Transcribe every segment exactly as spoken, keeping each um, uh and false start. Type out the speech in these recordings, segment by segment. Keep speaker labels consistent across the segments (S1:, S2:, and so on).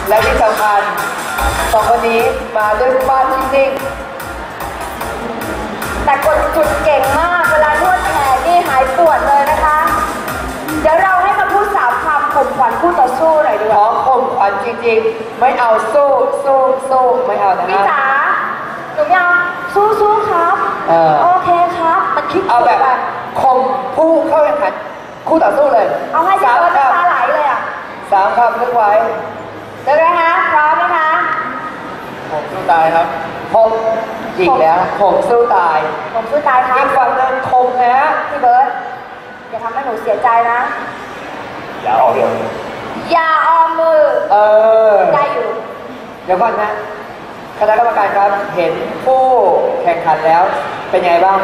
S1: และที่สำคัญสองคนนี้มาด้วยบ้านจริง
S2: ๆแต่กดจุดเก่งมากเวลานวดแขนนี่หายปวดเลยนะคะเดี๋ยวเราให้มาพูดสามคำข่มขวัญคู่ต่อสู้หน่อยดีกว่า
S1: ขอข่มขวัญจริงๆไม่เอาสู้สู้สู้ไม่เอานะ
S2: พี่จ๋าหนูยังสู้สู้ครับโอเคครับมันคิด
S1: เอาแบบข่มผู้เข้าแข่งขันคู่ต่อสู้เลย
S2: เอาให้สามคำน้ำตาไหลเลยอ่ะ
S1: สามคำนึกไว้
S2: เดี๋ยวนะคะพร้อมนะคะ
S1: ผมสู้ตายครับผมอีกแล้วผมสู้ตาย
S2: ผมสู้ตายครับ
S1: อีกฝั่งนึงคมนะ
S2: พี่เบิร์ดอย่าทำให้หนูเสียใจนะ
S1: อย่าออกมือ
S2: อย่าออมมือ
S1: เออ
S2: ได้อยู่
S1: เดี๋ยวก่อนนะคณะกรรมการครับเห็นผู้แข่งขันแล้วเป็นไงบ้าง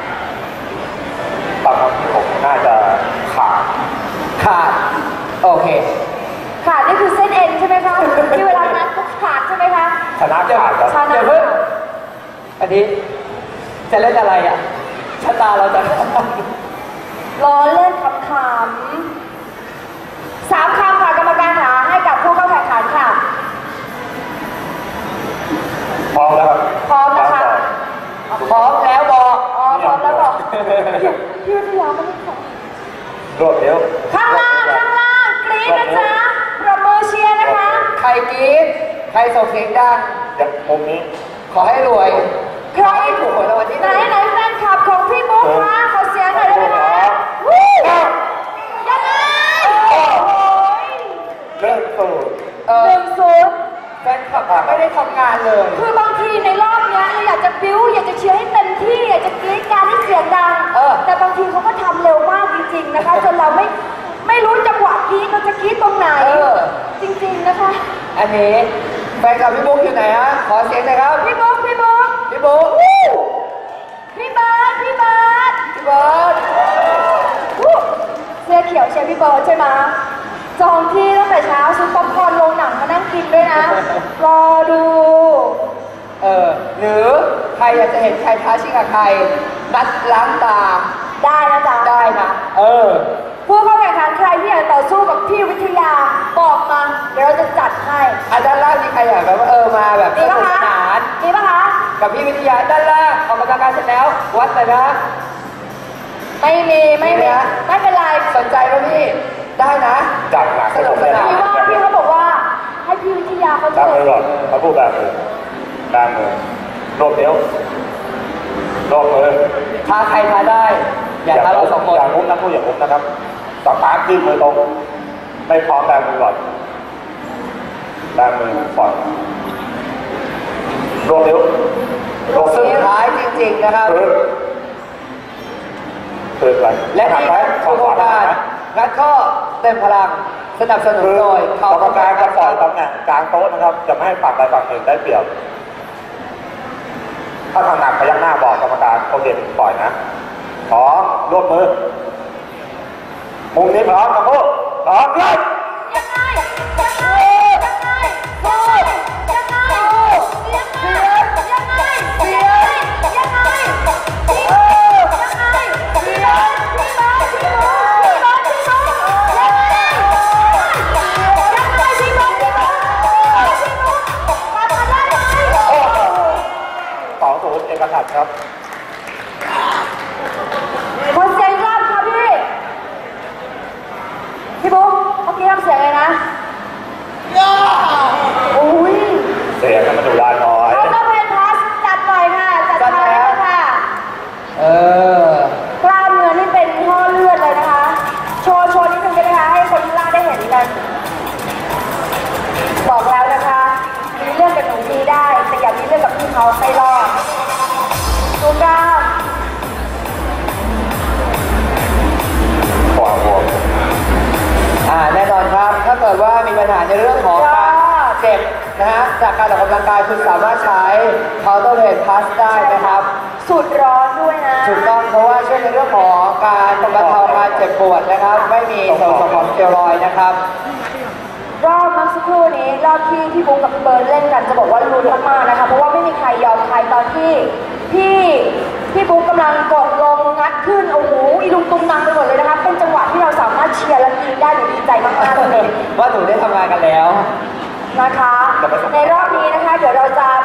S3: บางคนที่ผมน่าจะขาด
S1: ขาดโอเค
S2: ขาดนี่คือเส้นเอ็นใช่ไหมคะที่เวลานัดปุ๊บขาดใช่ไหมคะ
S3: ชนะขาดครับ
S1: เดี๋ยวเพิ่งอันนี้จะเล่นอะไรอ่ะชะตาเราจะ
S2: ล้อเล่นคำคำสามคำค่ะกรรมการหาให้กับผู้เข้าแข่งขันค่ะ
S3: พร้อมแล้วครับ
S2: พร้อมนะคะ
S1: พร้อมแล้วบอก
S2: อ๋อพร้อมแล้วบอกพี่วิทยาไม่ได้ขอ
S3: รวดเร็ว
S2: ข้างล่างข้างล่างกรี๊ดนะจ๊ะประมือเชียร์นะคะ
S1: ใครกรี๊ดใครส่งเสียงดัง
S3: อย่างมุมนี้
S1: ขอให้รวย
S2: ใครถูกหวยรางวัลที่หนึ่งไหนไหนแฟนคลับของพี่บุ๊คคะขอเสียงหน่อยได้ไหมคะวู้ยังไง
S3: เริ่มสูด
S2: หนึ่งศูนย์
S1: แฟนคลับไม่ได้ทำงานเลย
S2: คือบางทีในรอบนี้เราอยากจะบิ้วอยากจะเชียร์ให้เต็มที่อยากจะกรี๊ดการให้เสียงดังแต่บางทีเขาก็ทำเร็วมากจริงๆนะคะจนเราไม่ไม่รู้จังหวะกรี๊ดเราจะกรี๊ดตรงไหนจริงๆนะคะ
S1: อันนี้แฟนคลับพี่บุ๊กอยู่ไหนฮะขอเสียงหน่อยครับ
S2: พี่บุ๊กพี่บุ๊ก
S1: พี่บุ๊ก
S2: พี่เบิร์ดพี่เบิร์ด
S1: พี่เบิร์ด
S2: เสื้อเขียวเชียร์พี่เบิร์ดใช่ไหมจองที่ตั้งแต่เช้าซื้อป๊อปคอร์นลงหนังมานั่งกินด้วยนะรอดู
S1: เออหรือใครอยากจะเห็นใครท้าชิงกับใครนัดล้างตา
S2: ได้นะจ๊ะ
S1: ได้นะเออ
S2: ผู้เข้าแข่งขันใครที่อยากต่อสู้กับพี่วิทยาบอกมาเดี๋ยวเราจะจัดให้
S1: อ่ะด้านล่างมีใครอยากแบบว่าเออมาแบบสนุกสนาน
S2: มีปะคะ
S1: กับพี่วิทยาด้านล่างออกกำลังกายเสร็จแล้ววัดเลยนะ
S2: ไม่มีไม่มีไม่เป็นไร
S1: สนใจป่ะพี่ได้นะ
S3: จัดหนัก
S1: สนุกสนาน
S2: พี่ว่าพี่เขาบอกว่าให้พี่วิทยาเขา
S3: จะมือก่อนเขาพูดแบบมือแบบมือรวบเดียวรวบมือ
S1: ท้าใครท้าได้อย่าท้าเราสองคน
S3: อย่างมุ้งนะพูดอย่างมุ้งนะครับสตาร์ทขึ้นมือตรงไม่พร้อมแบบมือก่อนแบบมือก่อนรวบเดียว
S1: รวบสุดท้ายจริงๆนะครับ
S3: คืออะไร
S1: และที่โครงการงัดข้อเต็มพลังสนับสนุนโดย
S3: กรรมการจะปล่อยตำแหน่งกลางโต๊ะนะครับจะไม่ให้ฝั่งใดฝั่งหนึ่งได้เปรียบถ้าทางหนักพยักหน้าบอกกรรมการโอเคปล่อยนะพร้อมรวบมือมุมนี้พร้อมกับพวกพร้อมเลย
S2: ยังไงยังไงยังไงโอ้ยยังไงยังไงยังไงเสียยังไงพี่เออยังไงพี่เบิร์ดพี่เบิร์ดพี่เบิร์ดพี่เบิร์ดพี่เบิร์ดยังไงยังไงพี่เบิร์ดพี่เบิร์ดพี่เบิร์ดมาทำได้ไหม
S3: สองศูนย์เอกฉันท์ครับ
S2: คนเสียงรอบค่ะพี่พี่บุ๊คเมื่อกี้ทำเสียงไงนะอุ้ย
S3: เสียงมันดูด้านน้อย
S2: เขาก็เป็นพาสจัดหน่อยค่ะจัดไปแล้วค่ะ
S1: เออก
S2: ล้ามเนื้อนี่เป็นห่อเลือดเลยนะคะโชว์โชว์นิดนึงได้ไหมคะให้คนที่ล่าได้เห็นกันบอกแล้วนะคะมีเรื่องกับหนูดีได้แต่อย่ามีเรื่องกับพี่เขาไม่รอดดูกล้าม
S3: ความห่วง
S1: อ่าแน่นอนครับถ้าเกิดว่ามีปัญหาในเรื่องของการเจ็บนะฮะจากการออกกำลังกายคุณสามารถใช้ counter weight pass ได้นะครับ
S2: สูตรร้อนด้วยนะ
S1: ถูกต้องเพราะว่าช่วยในเรื่องของการบรรเทาการเจ็บปวดนะครับไม่มีส่วนผสมของสเตียรอยด์นะครับ
S2: รอบเมื่อสักครู่นี้รอบที่พี่บุ๊กกับพี่เบิร์ดเล่นกันจะบอกว่าลุ้นมากๆนะคะเพราะว่าไม่มีใครยอมใครตอนที่พี่พี่บุ๊กกำลังกดลงงัดขึ้นโอ้โหอีลุงตุงนังไปหมดเลยนะคะเป็นจังหวะที่เราสามารถเชียร์และกรี๊ดได้หนูดีใจมากๆเลย
S1: ว่าหนูได้ทำงานกันแล้ว
S2: นะคะ ในรอบนี้นะคะเดี๋ยวเราจะ